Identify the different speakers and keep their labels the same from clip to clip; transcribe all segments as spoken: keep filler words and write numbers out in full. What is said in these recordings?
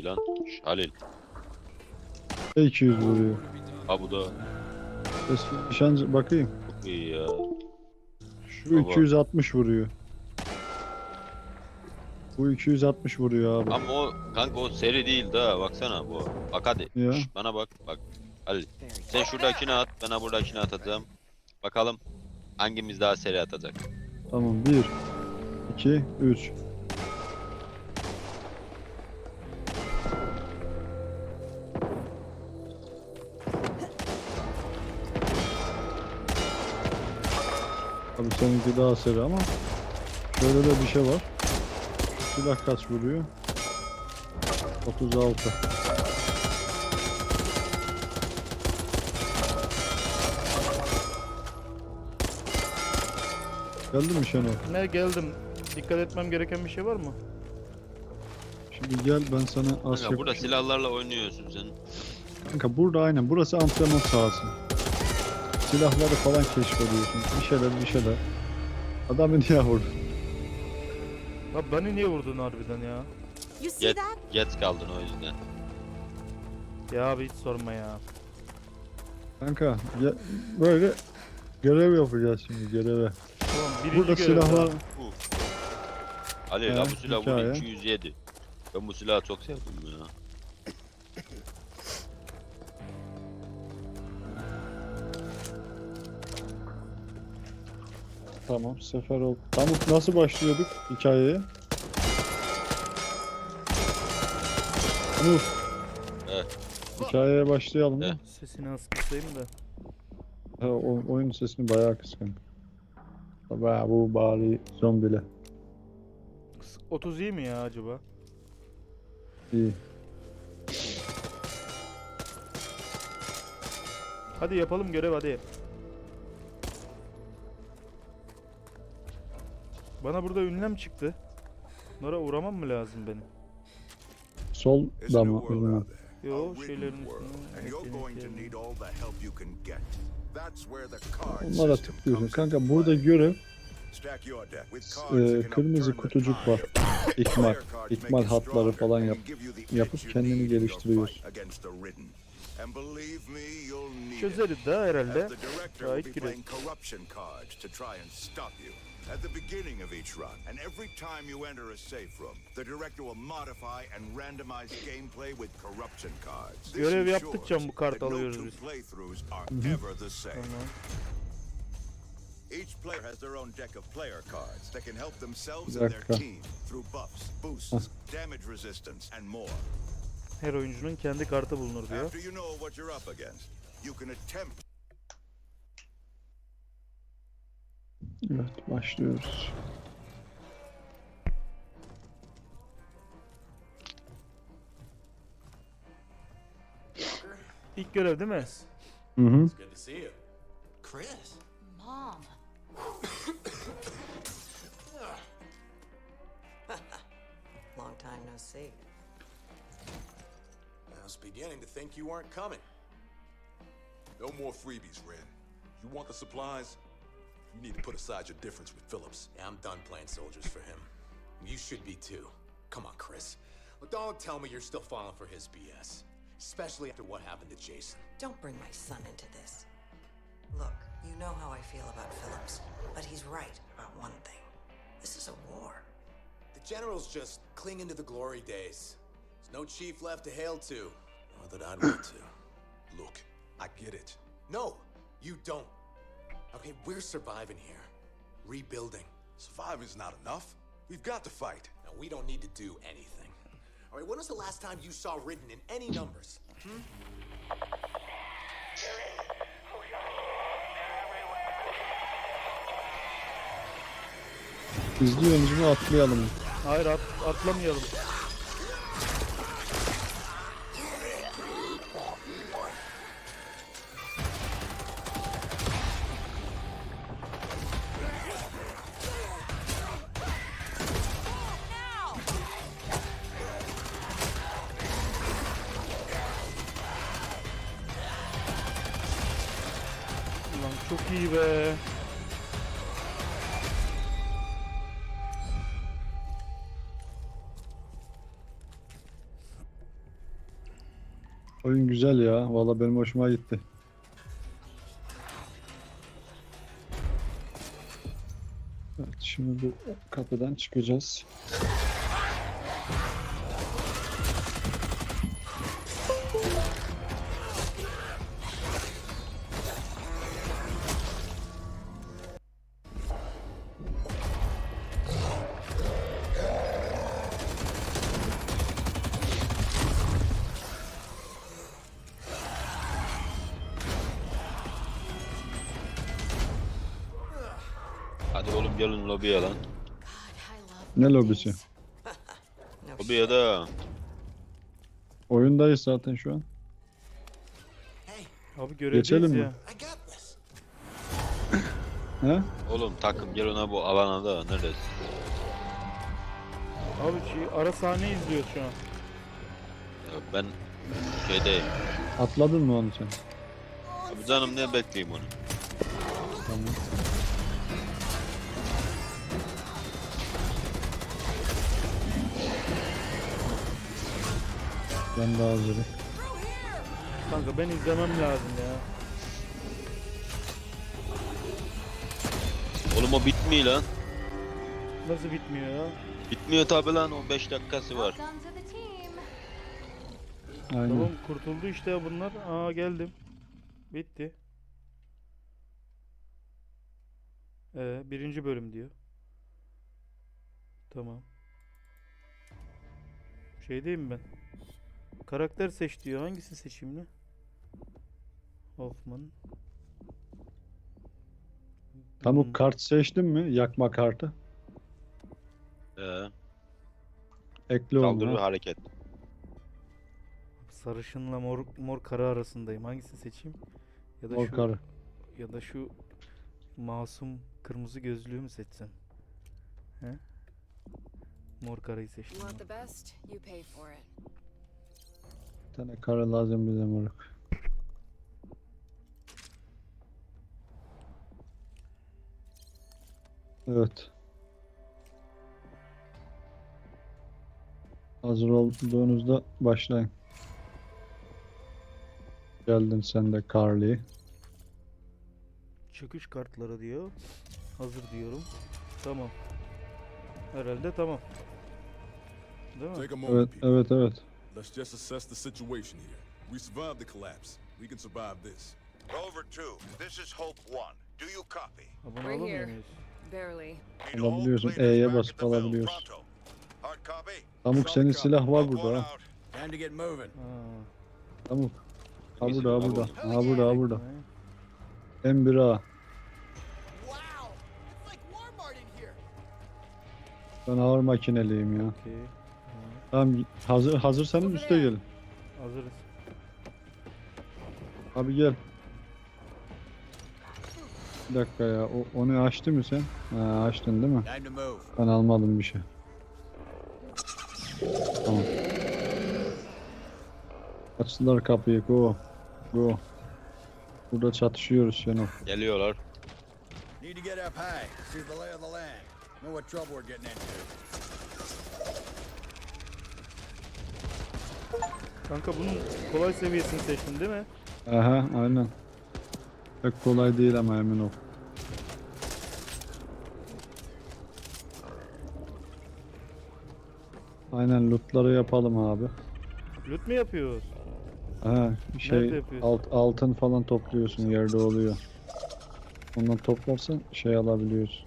Speaker 1: iyi lan. Şş, Halil.
Speaker 2: iki yüz vuruyor.
Speaker 1: Ha bu da
Speaker 2: Eski nişancı bakayım.
Speaker 1: çok iyi ya.
Speaker 2: Şu
Speaker 1: Baba.
Speaker 2: iki yüz altmış vuruyor. Bu iki yüz altmış vuruyor abi.
Speaker 1: Ama o kanka o seri değil daha baksana bu. Bak hadi.
Speaker 2: Ya.
Speaker 1: Şş, bana bak bak. Halil. Sen şuradakini at, ben ha buradakini atacağım. Bakalım hangimiz daha seri atacak.
Speaker 2: Tamam bir, iki, üç. Abi seninki daha seri ama şöyle de bir şey var. Silah kaç vuruyor? otuz altı. Geldin mi Şenol?
Speaker 3: Ne geldim. Dikkat etmem gereken bir şey var mı?
Speaker 2: Şimdi gel ben sana az
Speaker 1: Kanka burada
Speaker 2: yapayım.
Speaker 1: silahlarla oynuyorsun sen.
Speaker 2: Kanka burada aynen burası antrenman sahası. Silahları falan keşfediyorsun. Bir şeyler bir şeyler. Adamı niye vurdun?
Speaker 3: Lan beni niye vurdun harbiden ya?
Speaker 4: You see
Speaker 1: Geç,
Speaker 4: that?
Speaker 1: geç kaldın o yüzden.
Speaker 3: Ya abi hiç sorma ya.
Speaker 2: Kanka ge- böyle görev yapacağız şimdi göreve.
Speaker 3: Tamam birinci
Speaker 2: Burada
Speaker 3: görev
Speaker 2: silahlar
Speaker 3: daha.
Speaker 1: Bu. Halil
Speaker 2: He,
Speaker 1: ha bu silah
Speaker 2: hikaye.
Speaker 1: bu iki yüz yedi. Ben bu silahı çok sevdim ya.
Speaker 2: tamam sefer ol. Tamam nasıl başlıyorduk hikayeye? Uf.
Speaker 1: Evet.
Speaker 2: Hikayeye başlayalım mı?
Speaker 1: Evet.
Speaker 3: Sesini az kısayım da.
Speaker 2: Ha, o, oyun sesini bayağı kıskan. Bayağı bu bari zombile.
Speaker 3: Kıs- otuz iyi mi ya acaba?
Speaker 2: İyi.
Speaker 3: Hadi yapalım görev hadi. Bana burada ünlem çıktı. Bunlara uğramam mı lazım benim?
Speaker 2: Sol
Speaker 5: There's a
Speaker 2: da
Speaker 5: new
Speaker 2: mı?
Speaker 5: world
Speaker 2: Bilmem.
Speaker 5: out there.
Speaker 3: Yo,
Speaker 5: A written
Speaker 3: şeylerin
Speaker 5: world.
Speaker 3: üstüne
Speaker 5: And you're going to
Speaker 3: eklemek
Speaker 5: need all the help you can get. That's where the card
Speaker 2: Onlara
Speaker 5: system
Speaker 2: tıklıyorsun.
Speaker 5: comes
Speaker 2: Kanka
Speaker 5: into
Speaker 2: burada
Speaker 5: play.
Speaker 2: görev
Speaker 5: Stack your deck with
Speaker 2: e,
Speaker 5: cards that can help
Speaker 2: kırmızı
Speaker 5: turn the
Speaker 2: kutucuk
Speaker 5: tide.
Speaker 2: var. İkmal.
Speaker 5: Player cards make
Speaker 2: İkmal
Speaker 5: you
Speaker 2: hatları
Speaker 5: stronger
Speaker 2: falan
Speaker 5: and
Speaker 2: yap.
Speaker 5: give you the
Speaker 2: Yapıp
Speaker 5: edge you
Speaker 2: kendini
Speaker 5: need in your
Speaker 2: geliştiriyorsun.
Speaker 5: fight against the ridden. And believe me, you'll need it.
Speaker 3: Çözeriz daha herhalde.
Speaker 5: As the director
Speaker 3: Gayet
Speaker 5: will be
Speaker 3: gireriz.
Speaker 5: playing corruption cards to try and stop you. At the beginning of each run, and every time you enter a safe room, the director will modify and randomize gameplay with corruption cards. This
Speaker 3: Görev
Speaker 5: ensures
Speaker 3: yaptıkça bu kart
Speaker 5: that no
Speaker 3: alıyoruz
Speaker 5: two
Speaker 3: biz.
Speaker 5: playthroughs are ever the same.
Speaker 3: Tamam.
Speaker 5: Each player has their own deck of player cards that can help themselves
Speaker 2: Bir
Speaker 5: and their
Speaker 2: dakika.
Speaker 5: team through buffs, boosts, damage resistance, and more.
Speaker 3: Her oyuncunun kendi kartı bulunur diyor.
Speaker 5: After you know what you're up against, you can attempt
Speaker 2: Evet başlıyoruz.
Speaker 3: İlk görev değil mi?
Speaker 2: Hı hı.
Speaker 6: Good to see you. Chris.
Speaker 4: Mom.
Speaker 7: Long time no see.
Speaker 6: I was beginning to think you weren't coming.
Speaker 8: No more freebies, Red. You want the supplies? You need to put aside your difference with Phillips.
Speaker 6: Yeah, I'm done playing soldiers for him. You should be too. Come on, Chris. Well, don't tell me you're still falling for his B S. Especially after what happened to Jason.
Speaker 7: Don't bring my son into this. Look, you know how I feel about Phillips, but he's right about one thing. This is a war.
Speaker 6: The general's just clinging to the glory days. There's no chief left to hail to. Nor that I'd want to.
Speaker 8: Look, I get it.
Speaker 6: No, you don't. Okay, we're surviving here. Rebuilding.
Speaker 8: Surviving's not enough. We've got to fight.
Speaker 6: Now, we don't need to do anything. All right, when was the last time you saw Ridden in any numbers? Hmm?
Speaker 2: İzliyorsunuz mu atlayalım mı?
Speaker 3: Hayır at, atlamayalım. Ulan çok iyi be.
Speaker 2: Oyun güzel ya. Valla benim hoşuma gitti. Evet, şimdi bu kapıdan çıkacağız.
Speaker 1: Hadi oğlum gelin lobiye lan.
Speaker 2: Ne lobisi?
Speaker 7: No
Speaker 1: Lobiye de.
Speaker 2: Oyundayız zaten şu an.
Speaker 3: Abi görevdeyiz
Speaker 2: Geçelim mi?
Speaker 3: ya.
Speaker 6: I got this.
Speaker 2: He?
Speaker 1: Oğlum takım gel ona bu alana da neredesin?
Speaker 3: Abi şey, ara sahne izliyoruz şu an.
Speaker 1: Ya ben şeydeyim.
Speaker 2: Atladın mı onu sen?
Speaker 1: Abi canım ne bekleyeyim onu.
Speaker 2: Tamam. Ben de hazırım.
Speaker 3: Kanka ben izlemem lazım ya.
Speaker 1: Oğlum o bitmiyor lan.
Speaker 3: Nasıl bitmiyor ya?
Speaker 1: Bitmiyor tabi lan, o beş dakikası var.
Speaker 4: Welcome to the team.
Speaker 2: Aynen.
Speaker 3: Tamam kurtuldu işte bunlar. Aa geldim. Bitti. Ee, birinci bölüm diyor. Tamam. Şeydeyim ben. Karakter seç diyor. Hangisini seçeyim ne? Hoffman.
Speaker 2: Tamam,
Speaker 3: Hmm,
Speaker 2: kart seçtin mi? Yakma kartı.
Speaker 1: Ee,
Speaker 2: Ekle
Speaker 1: saldırı
Speaker 2: onu. ha.
Speaker 1: hareket.
Speaker 3: Sarışınla mor mor karı arasındayım. Hangisini seçeyim? Ya da
Speaker 2: Mor
Speaker 3: şu
Speaker 2: karı.
Speaker 3: ya da şu masum kırmızı gözlüğü mü seçsem? He? Mor karayı
Speaker 4: You
Speaker 3: seçtim.
Speaker 4: want
Speaker 3: ben.
Speaker 4: the best, you pay for it.
Speaker 2: Bir tane karı lazım bize moruk. Evet. Hazır olduğunuzda başlayın. Geldin sen de Carly.
Speaker 3: Çıkış kartları diyor. Hazır diyorum. Tamam. Herhalde tamam. Değil mi?
Speaker 8: Take a
Speaker 2: Evet,
Speaker 8: moment, people.
Speaker 2: evet, evet.
Speaker 8: Let's just assess the situation here. We survived the collapse. We can survive this.
Speaker 5: Rover two, this is Hope one. Do you copy?
Speaker 3: Abone
Speaker 4: We're
Speaker 3: olamıyor
Speaker 4: here.
Speaker 3: muyuz?
Speaker 4: Barely.
Speaker 5: Need all
Speaker 2: Alabiliyorsun,
Speaker 5: players
Speaker 2: E'ye
Speaker 5: back
Speaker 2: basıp
Speaker 5: at the mill,
Speaker 2: alabiliyorsun.
Speaker 5: pronto. Hard copy?
Speaker 2: Pamuk, senin silah var
Speaker 5: Hope
Speaker 2: burada
Speaker 5: one
Speaker 2: ha.
Speaker 5: out.
Speaker 6: Time to get moving.
Speaker 3: Ha.
Speaker 2: Pamuk. Ha
Speaker 1: Neyse,
Speaker 2: burada, ha
Speaker 1: abi.
Speaker 2: burada. Ha burada, ha burada.
Speaker 3: He.
Speaker 2: M bir A.
Speaker 6: Wow! It's like Walmart in here.
Speaker 2: Ben ağır makineliyim ya.
Speaker 3: Okey.
Speaker 2: Tamam, hazır hazırsanız üste gelin.
Speaker 3: Hazırız.
Speaker 2: Abi gel. Bir dakika ya. O, onu açtı mı sen? Ha, açtın değil mi?
Speaker 6: Time to move.
Speaker 2: Ben almadım bir şey. Tamam. Açtılar kapıyı. Go. Go. Burada çatışıyoruz Şenol.
Speaker 1: Geliyorlar.
Speaker 6: Need to get up high, see the lay of the land. Know what trouble we're getting into.
Speaker 3: Kanka bunun kolay seviyesini seçtin değil mi?
Speaker 2: Aha, aynen. Pek kolay değil ama emin ol. Aynen, lootları yapalım abi.
Speaker 3: Loot mu yapıyoruz?
Speaker 2: Ha,
Speaker 3: Nerede
Speaker 2: şey
Speaker 3: yapıyorsun?
Speaker 2: alt, altın falan topluyorsun, yerde oluyor. Ondan toplarsan şey alabiliyorsun.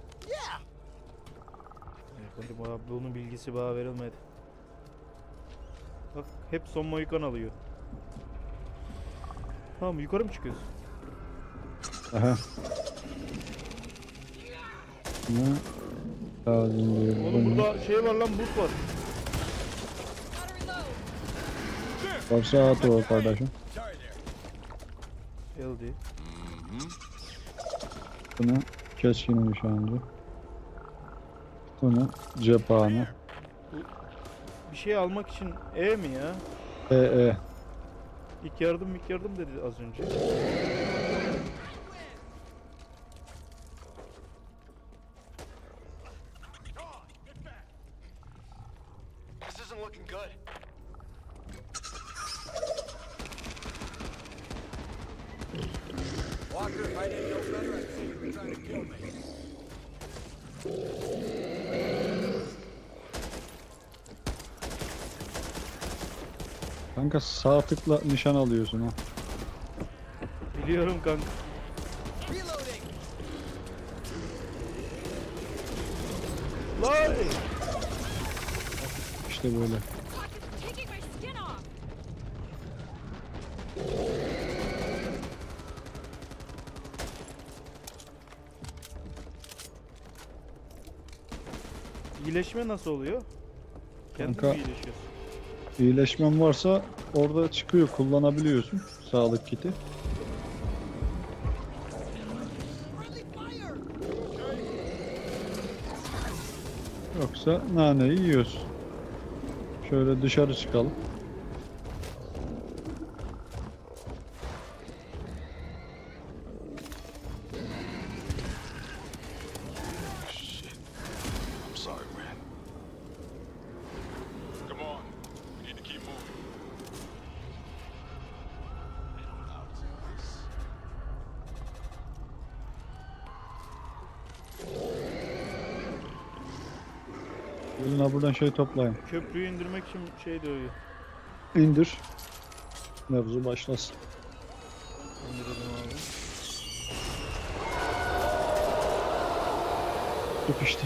Speaker 3: Hadi bana bunun bilgisi bana verilmedi. Bak hep son Mohikan alıyor. Tamam yukarı mı çıkıyoruz?
Speaker 2: Aha. Ne? Lazım diyor.
Speaker 3: Oğlum burada şey var lan buz var.
Speaker 2: Varsa at o kardeşim.
Speaker 6: Sorry there.
Speaker 3: L D.
Speaker 2: Bunu keskin nişancı. Bunu cephane.
Speaker 3: Bir şey almak için E mi ya?
Speaker 2: E E.
Speaker 3: İlk yardım ilk yardım dedi az önce.
Speaker 6: This isn't looking good.
Speaker 8: I didn't know better, I'd say you were trying to kill me.
Speaker 2: Kanka sağ tıkla nişan alıyorsun ha.
Speaker 3: Biliyorum kanka. Lan!
Speaker 2: İşte böyle.
Speaker 4: Taking my skin off.
Speaker 3: İyileşme nasıl oluyor? Kendin
Speaker 2: Kanka-
Speaker 3: mi iyileşiyorsun?
Speaker 2: İyileşmen varsa orada çıkıyor, kullanabiliyorsun sağlık kiti. Yoksa naneyi yiyoruz. Şöyle dışarı çıkalım.
Speaker 8: I'm sorry, Ren. Come on. We need to keep moving.
Speaker 2: Gelin ha buradan şey toplayın.
Speaker 3: Köprüyü indirmek için şey diyor.
Speaker 2: İndir. Mevzu başlasın.
Speaker 3: İndirelim abi.
Speaker 2: Yok işte.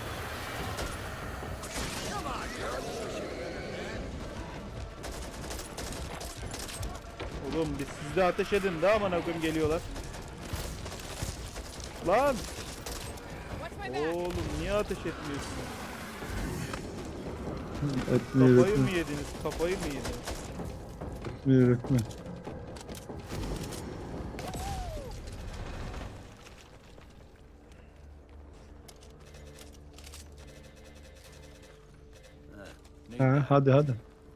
Speaker 3: Oğlum biz siz de ateş edin de aman akım geliyorlar. Lan!
Speaker 4: Watch my back.
Speaker 3: Oğlum niye ateş etmiyorsun?
Speaker 2: Etmiyor,
Speaker 3: Kafayı mı
Speaker 2: etmiyor.
Speaker 3: yediniz? Kafayı mı yediniz?
Speaker 2: Etmiyor, etmiyor. Ha, hadi hadi.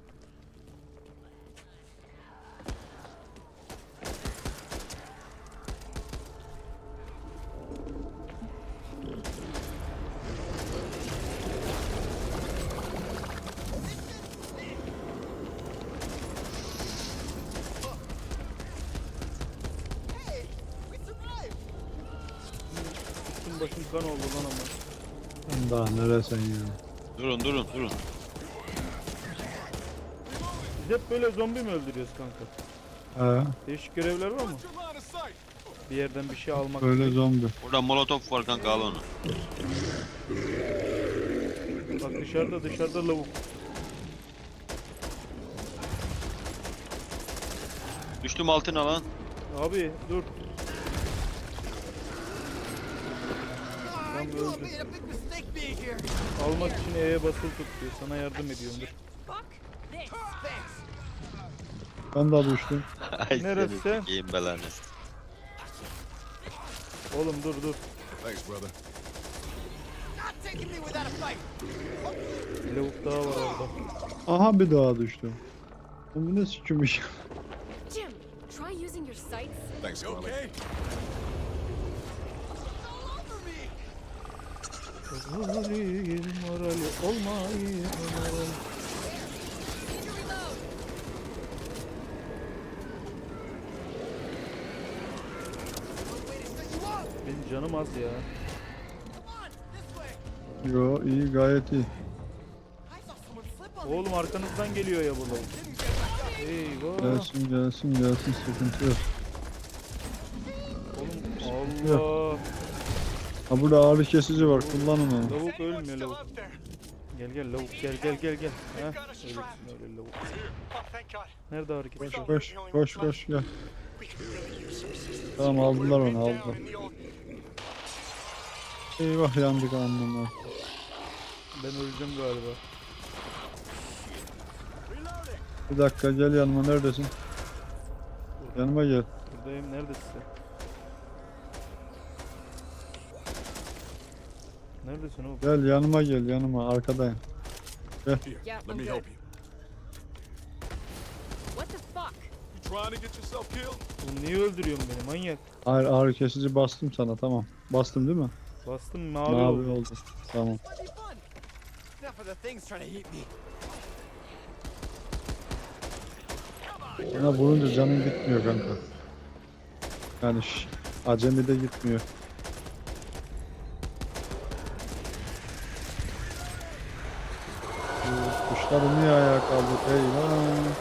Speaker 3: Üstüm başım kan oldu lan ama.
Speaker 2: Daha neresen ya?
Speaker 1: Durun durun durun.
Speaker 3: Biz hep böyle zombi mi öldürüyoruz kanka?
Speaker 2: Ha,
Speaker 3: Değişik görevler var mı?
Speaker 8: Your line of sight.
Speaker 3: Bir yerden bir şey almak.
Speaker 2: böyle zombi.
Speaker 1: Burada molotof var kanka, al onu.
Speaker 3: Bak dışarıda dışarıda lavuk.
Speaker 1: Düştüm altına lan.
Speaker 3: Abi dur. Tam öldü. Almak için E'ye basılı tut diyor. Sana yardım ediyorum dur.
Speaker 4: Fuck this.
Speaker 2: Ben de düştüm.
Speaker 1: Ay
Speaker 3: Neresi?
Speaker 1: seni sikeyim belanı.
Speaker 3: Oğlum dur dur.
Speaker 8: Thanks, brother.
Speaker 3: Bir lavuk daha var orada.
Speaker 2: Aha bir daha düştüm. Bu ne sikmiş?
Speaker 4: Jim, try using your sights.
Speaker 8: Thanks,
Speaker 5: You
Speaker 8: Carly.
Speaker 5: okay?
Speaker 3: Morali, morali olmayı morali. Benim canım az ya.
Speaker 2: Yo iyi, gayet iyi.
Speaker 3: Oğlum arkanızdan geliyor ya bu lavuk. Eyvah.
Speaker 2: Gelsin gelsin gelsin, sıkıntı yok.
Speaker 3: Oğlum Allah.
Speaker 2: Ha burada ağrı kesici var, kullanın onu.
Speaker 3: Lavuk ölmüyor lavuk. Gel gel lavuk gel gel gel gel. Heh, öylesin öyle lavuk. Nerede hareket?
Speaker 2: Koş koş koş koş gel. Tamam aldılar onu, aldılar. Eyvah yandık anlamlar.
Speaker 3: Ben öleceğim galiba.
Speaker 2: Bir dakika gel yanıma, neredesin? Yanıma gel.
Speaker 3: Buradayım, neredesin sen? Neredesin oğlum?
Speaker 2: Gel yanıma gel, yanıma, arkadayım.
Speaker 8: Here,
Speaker 4: Yeah,
Speaker 8: let
Speaker 4: I'm
Speaker 8: me
Speaker 4: good.
Speaker 8: help you.
Speaker 4: What the fuck?
Speaker 8: You trying to get yourself killed?
Speaker 3: Oğlum niye öldürüyorsun beni manyak?
Speaker 2: Hayır, ağrı kesici bastım sana, tamam. Bastım değil mi?
Speaker 3: Bastım mavi,
Speaker 2: Mavi
Speaker 3: oldu.
Speaker 2: oldu. Tamam. Bana vurunca canım gitmiyor kanka. Yani şş, Acemi de gitmiyor. Bu Kuşları niye ayağa kaldık? Eyvah.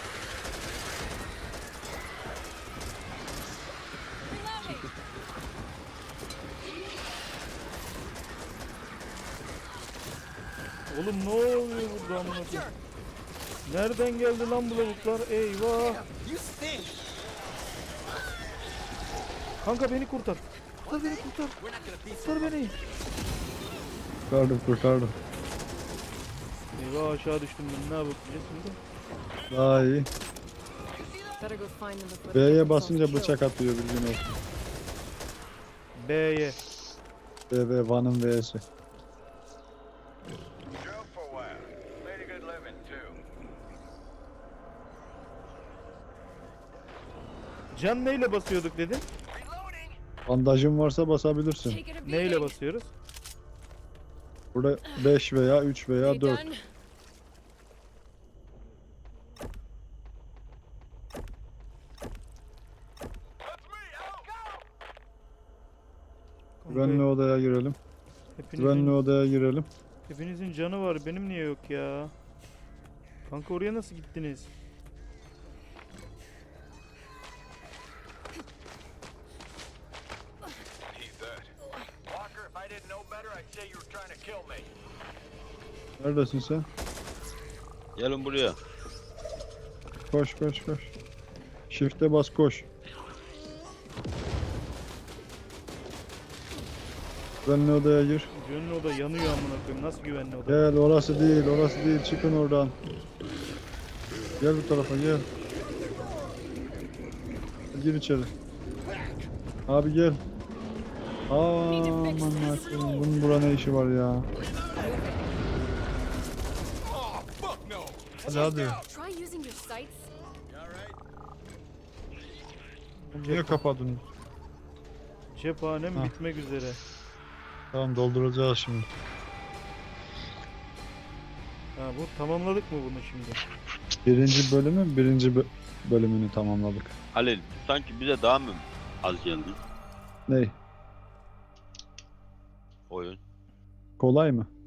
Speaker 3: Oğlum ne oluyor burada amına koyayım? Nereden geldi lan bu lavuklar? Eyvah. Kanka beni kurtar. Kurtar beni kurtar. Kurtar beni.
Speaker 2: Kurtardım kurtardım.
Speaker 3: Eyvah aşağı düştüm ben. Ne yapacağız şimdi?
Speaker 2: Daha iyi.
Speaker 4: Better go find them before they get
Speaker 2: B'ye
Speaker 4: themselves
Speaker 2: basınca
Speaker 4: killed.
Speaker 2: bıçak atıyor bilgin olsun.
Speaker 3: B'ye.
Speaker 2: B B Van'ın V'si.
Speaker 9: Drove for a while. Made a good living, too.
Speaker 3: Can neyle basıyorduk dedin?
Speaker 9: Reloading!
Speaker 2: Bandajın varsa basabilirsin.
Speaker 4: Take it a
Speaker 3: Neyle
Speaker 4: beating.
Speaker 3: basıyoruz?
Speaker 2: Burada beş veya üç veya
Speaker 4: They
Speaker 2: dört.
Speaker 4: done?
Speaker 9: That's me! Out! Go!
Speaker 2: Güvenli odaya girelim. Güvenli
Speaker 3: Hepinizin,
Speaker 2: odaya girelim.
Speaker 3: hepinizin canı var. Benim niye yok ya? Kanka oraya nasıl gittiniz?
Speaker 9: He's dead. Walker, if I didn't know better, I'd say you were trying to kill me.
Speaker 2: Neredesin sen?
Speaker 1: Gelin buraya.
Speaker 2: Koş koş koş. Shift'e bas koş. Güvenli odaya gir.
Speaker 3: Güvenli oda yanıyor amına koyayım. Nasıl güvenli oda?
Speaker 2: Gel orası değil orası değil çıkın oradan. Gel bu tarafa gel. Gir içeri. Abi gel. Aman Allah'ım bunun bura ne işi var ya.
Speaker 8: Oh, fuck no!
Speaker 2: Hadi hadi.
Speaker 4: Try using your sights.
Speaker 2: Niye kapadın?
Speaker 3: Cephanem
Speaker 2: Ha.
Speaker 3: bitmek üzere.
Speaker 2: Tamam dolduracağız şimdi.
Speaker 3: Ha bu tamamladık mı bunu şimdi?
Speaker 2: Birinci bölümün birinci bö- bölümünü tamamladık.
Speaker 1: Halil sanki bize daha mı az geldi
Speaker 2: Ney?
Speaker 1: oyun?
Speaker 2: Kolay mı?